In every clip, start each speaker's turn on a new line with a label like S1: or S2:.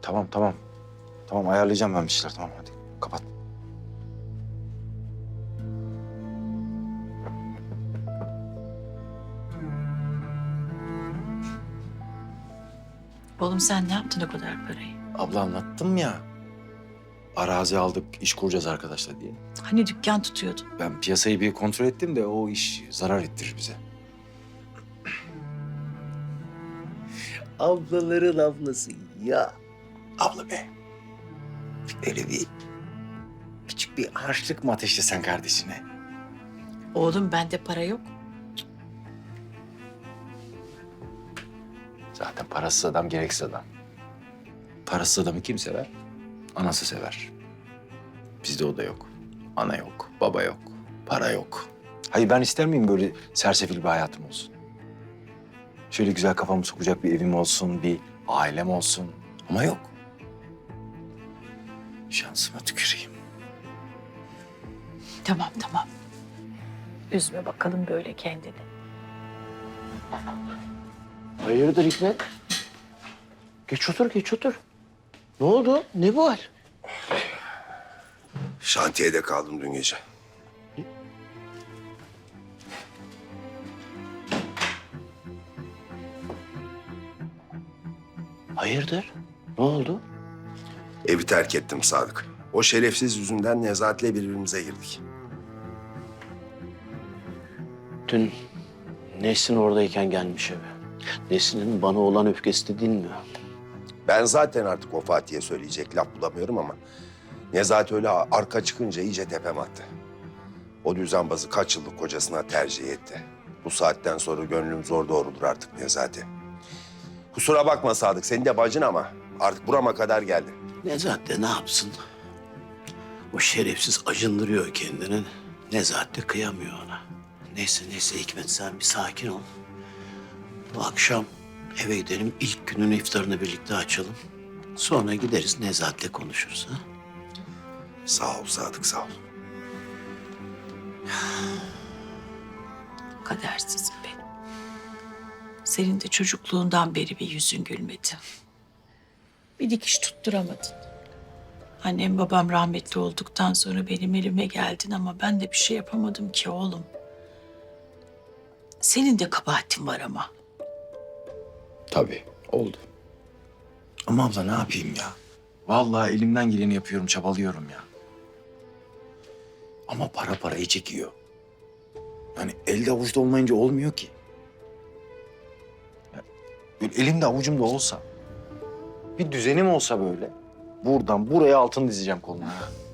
S1: Tamam, tamam. Tamam, ayarlayacağım ben bir şeyler. Tamam, hadi kapat.
S2: Oğlum sen ne yaptın o kadar parayı?
S1: Abla anlattım ya. Arazi aldık, iş kuracağız arkadaşlar diye.
S2: Hani dükkan tutuyordun?
S1: Ben piyasayı bir kontrol ettim de o iş zarar ettirir bize.
S3: Ablaların ablası ya.
S1: Abla be. Öyle bir küçük bir harçlık mı ateşlesen kardeşine?
S2: Oğlum bende para yok.
S1: Zaten parasız adam gereksiz adam. Parasız adamı kim sever? Anası sever. Bizde o da yok. Ana yok, baba yok, para yok. Hayır ben ister miyim böyle sersefil bir hayatım olsun? Şöyle güzel kafamı sokacak bir evim olsun, bir ailem olsun. Ama yok. Şansıma tüküreyim.
S2: Tamam tamam. Üzme bakalım böyle kendini.
S3: Hayırdır Hikmet? Geç otur, geç otur. Ne oldu? Ne bu hal?
S4: Şantiyede kaldım dün gece.
S3: Hayırdır? Ne oldu?
S4: Evi terk ettim Sadık. O şerefsiz yüzünden Nezahat'le birbirimize girdik.
S3: Dün Nesrin oradayken gelmiş eve. Nesrin'in bana olan öfkesi de dinmiyor.
S4: Ben zaten artık o Fatih'e söyleyecek laf bulamıyorum ama... Nezahat öyle arka çıkınca iyice tepem attı. O düzenbazı kaç yıllık kocasına tercih etti. Bu saatten sonra gönlüm zor doğrulur artık Nezahat'e. Kusura bakma Sadık, senin de bacın ama artık burama kadar geldi.
S3: Nezahat de ne yapsın? O şerefsiz acındırıyor kendini. Nezahat de kıyamıyor ona. Neyse neyse Hikmet sen bir sakin ol. Bu akşam eve gidelim. İlk günün iftarını birlikte açalım. Sonra gideriz Nezahat'le konuşuruz ha.
S4: Sağ ol Sadık, sağ ol.
S2: Kadersizim benim. Senin de çocukluğundan beri bir yüzün gülmedi. Bir dikiş tutturamadın. Annem babam rahmetli olduktan sonra benim elime geldin ama ben de bir şey yapamadım ki oğlum. Senin de kabahatin var ama.
S1: Tabii, oldu. Ama abla ne yapayım ya? Vallahi elimden geleni yapıyorum, çabalıyorum ya. Ama para parayı çekiyor. Yani elde avuçta olmayınca olmuyor ki. Ya, böyle elimde avucumda olsa, bir düzenim olsa böyle, buradan buraya altın dizeceğim koluna.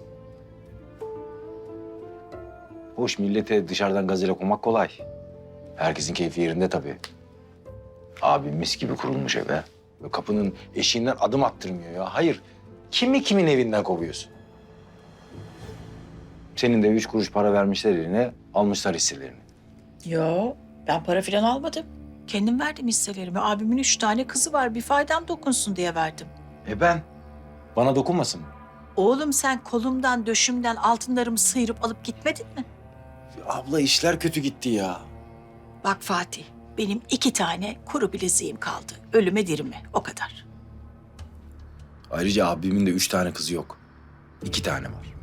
S1: Hoş millete dışarıdan gazete okumak kolay. Herkesin keyfi yerinde tabii. Abi mis gibi kurulmuş eve. Böyle kapının eşiğinden adım attırmıyor ya. Hayır, kimi kimin evinden kovuyorsun? Senin de 3 kuruş para vermişler eline, almışlar hisselerini.
S2: Yo, ben para falan almadım. Kendim verdim hisselerimi. Abimin 3 tane kızı var. Bir faydam dokunsun diye verdim.
S1: Ben? Bana dokunmasın mı?
S2: Oğlum sen kolumdan, döşümden altınlarımı sıyırıp alıp gitmedin mi?
S1: Abla işler kötü gitti ya.
S2: Bak Fatih, benim 2 tane kuru bileziğim kaldı. Ölüme dirime, o kadar.
S1: Ayrıca abimin de 3 tane kızı yok. 2 tane var.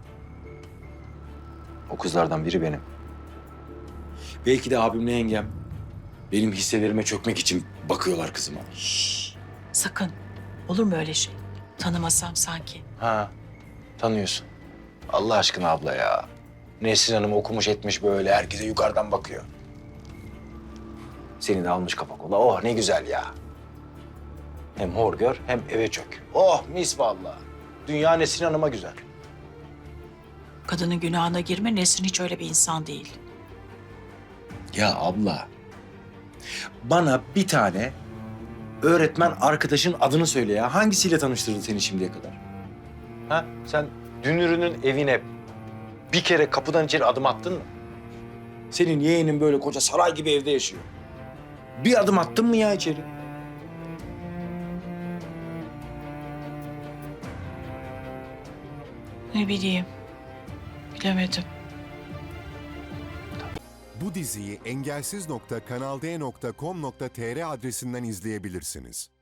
S1: O kızlardan biri benim. Belki de abimle yengem benim hisselerime çökmek için bakıyorlar kızıma.
S2: Sakın, olur mu öyle şey? Tanımasam sanki.
S1: Ha, tanıyorsun. Allah aşkına abla ya. Nesrin Hanım okumuş etmiş böyle, herkese yukarıdan bakıyor. Seni de almış kafa kola. Oh ne güzel ya. Hem hor gör hem eve çök. Oh mis vallahi. Dünya Nesrin Hanım'a güzel.
S2: Kadının günahına girme, Nesrin hiç öyle bir insan değil.
S1: Ya abla, bana bir tane öğretmen arkadaşın adını söyle ya. Hangisiyle tanıştırdı seni şimdiye kadar? Ha? Sen Dünürü'nün evine bir kere kapıdan içeri adım attın mı? Senin yeğenin böyle koca saray gibi evde yaşıyor. Bir adım attın mı ya içeri?
S2: Ne bileyim, bilemedim.
S5: Bu diziyi engelsiz.kanalde.com.tr adresinden izleyebilirsiniz.